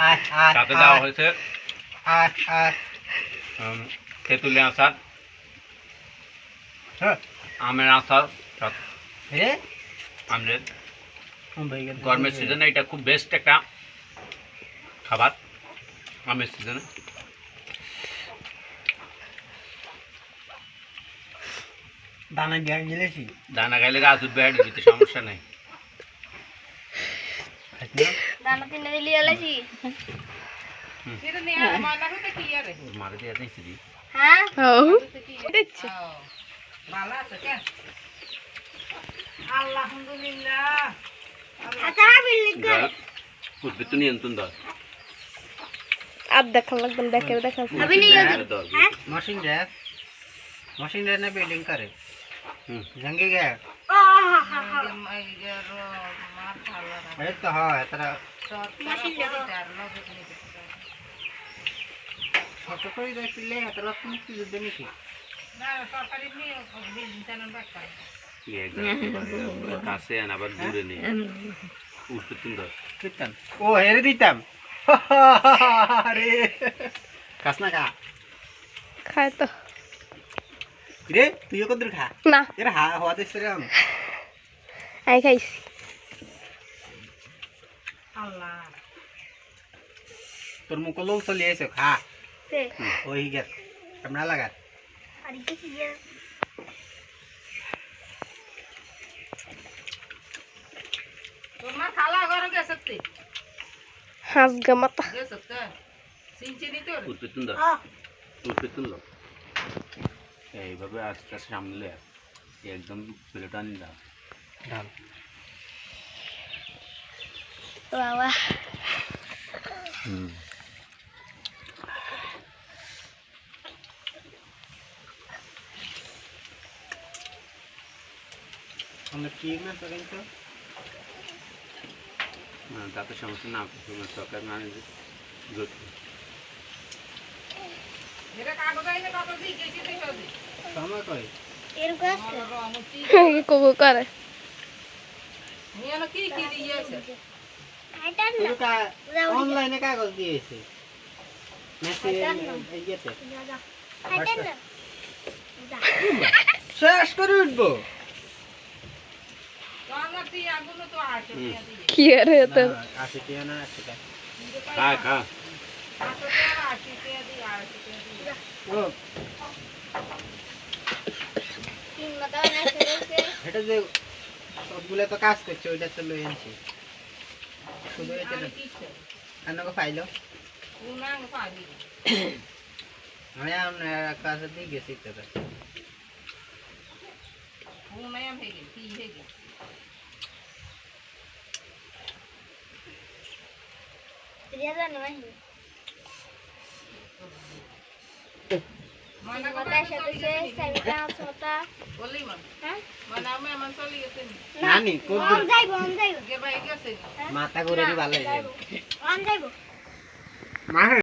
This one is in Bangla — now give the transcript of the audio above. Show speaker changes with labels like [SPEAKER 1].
[SPEAKER 1] সাথে দেওয়া হয়েছে তেঁতুলের আচার, আমের আচার, আমলেট। গরমের সিজনে এটা খুব বেস্ট একটা খাবার, আমের সিজনে।
[SPEAKER 2] দানা গেলেছি,
[SPEAKER 1] দানা খাইলে গাছ উঠবে, দিতে সমস্যা নেই।
[SPEAKER 3] দানা তিনে দিলি আলাইছি
[SPEAKER 4] সেটা নিয়ে মালা হতে কি আরে
[SPEAKER 1] মারে দিয়ে দিছি দি।
[SPEAKER 3] হ্যাঁ
[SPEAKER 4] দেখছি ভালো আছে কেন? আলহামদুলিল্লাহ।
[SPEAKER 3] আচ্ছা বিল্ডিং
[SPEAKER 1] যা উঠবে তো নিয়ন্ত্রণ দাও।
[SPEAKER 5] अब देखा लगन देखे देखा
[SPEAKER 3] अभी नहीं
[SPEAKER 1] হ্যাঁ,
[SPEAKER 3] होती
[SPEAKER 1] দাও।
[SPEAKER 2] मशीन रे ने बिल्डिंग करे जंगी गया
[SPEAKER 4] মার খালা
[SPEAKER 2] ए तो हां तेरा
[SPEAKER 4] মশিন দেখো
[SPEAKER 2] छोटो कोई देख ले तेरा तुम की देनी थी
[SPEAKER 4] না সরকারি নিয়ে বিল্ডিং চালান বাক্কা
[SPEAKER 1] এই একদম কাছে আন, আবার দূরে নেই। উঠবে তুমি দাও।
[SPEAKER 2] कितन ओ हेरे दीतम अरे कसना का
[SPEAKER 5] खाए तो
[SPEAKER 2] रे तू यो कदर खा
[SPEAKER 5] ना
[SPEAKER 2] यार हा हवा दे रे हम
[SPEAKER 5] आई खाइस
[SPEAKER 4] আল্লাহ
[SPEAKER 2] তোর মুখ লোক চলে এসে খা
[SPEAKER 3] से
[SPEAKER 2] ওই গেল কেমন লাগা
[SPEAKER 3] अरे किसी ये
[SPEAKER 4] তোমার খালা ঘরে গেছে তে
[SPEAKER 5] हंस गमत
[SPEAKER 4] গেছে তে সিনচি নি তোর
[SPEAKER 1] উঠবে তুমি দাও।
[SPEAKER 3] हां
[SPEAKER 1] উঠবে তুমি দাও। এইভাবে আস্তে আস্তে সামলে একদম প্লেট আনি দাও।
[SPEAKER 2] ডাল
[SPEAKER 5] वाह वाह
[SPEAKER 2] আমরা কি না তো কিন্তু
[SPEAKER 1] তাতে সমস্যা না, সরকার না নিলে
[SPEAKER 4] এরা কাগজ আইনে কত দি গেছি তুই সদি
[SPEAKER 2] সময় কই
[SPEAKER 3] एरको
[SPEAKER 4] রমতি
[SPEAKER 5] कोको करे
[SPEAKER 4] নিয়ে না কি কি দিয়েছে
[SPEAKER 3] आइटन
[SPEAKER 2] তুই
[SPEAKER 3] ना
[SPEAKER 2] কা অনলাইনে কাগজ দিয়েছে মেসেজ ইয়েতে
[SPEAKER 3] जा आइटन ना जा
[SPEAKER 2] শেষ করে উঠবো
[SPEAKER 4] আমার তুই আগুন তো আসে দিয়ে দিয়ে
[SPEAKER 5] किया रे तो
[SPEAKER 2] আসে টিয়া না আসে
[SPEAKER 1] খা খা।
[SPEAKER 4] আসে তো আসে দিয়ে দিয়ে আসে দিয়ে
[SPEAKER 2] ও
[SPEAKER 3] तीन बताओ ना से
[SPEAKER 2] এটা যে সবগুলো তো কাজ করছে ওইটা তো লই আনছি শুধু এটা
[SPEAKER 4] আমি কিছে
[SPEAKER 2] আনকো ফাইলো
[SPEAKER 4] উনাং পাবি
[SPEAKER 2] আমি আপনার কাছে দিয়ে গেছি তো
[SPEAKER 4] উনাং হেগে কি হেগে
[SPEAKER 3] रिया नहीं
[SPEAKER 4] মানা
[SPEAKER 3] बता साथे से साइडा छोटा
[SPEAKER 4] বলি মান
[SPEAKER 3] हां
[SPEAKER 4] মানে আমি এমন চলি গেছে
[SPEAKER 2] নানি কোন
[SPEAKER 3] हम जाइबो
[SPEAKER 4] গে ভাই গেছে
[SPEAKER 2] মাথা ঘুরে দি ভালো হয়ে যাবে
[SPEAKER 3] हम जाइबो
[SPEAKER 2] মা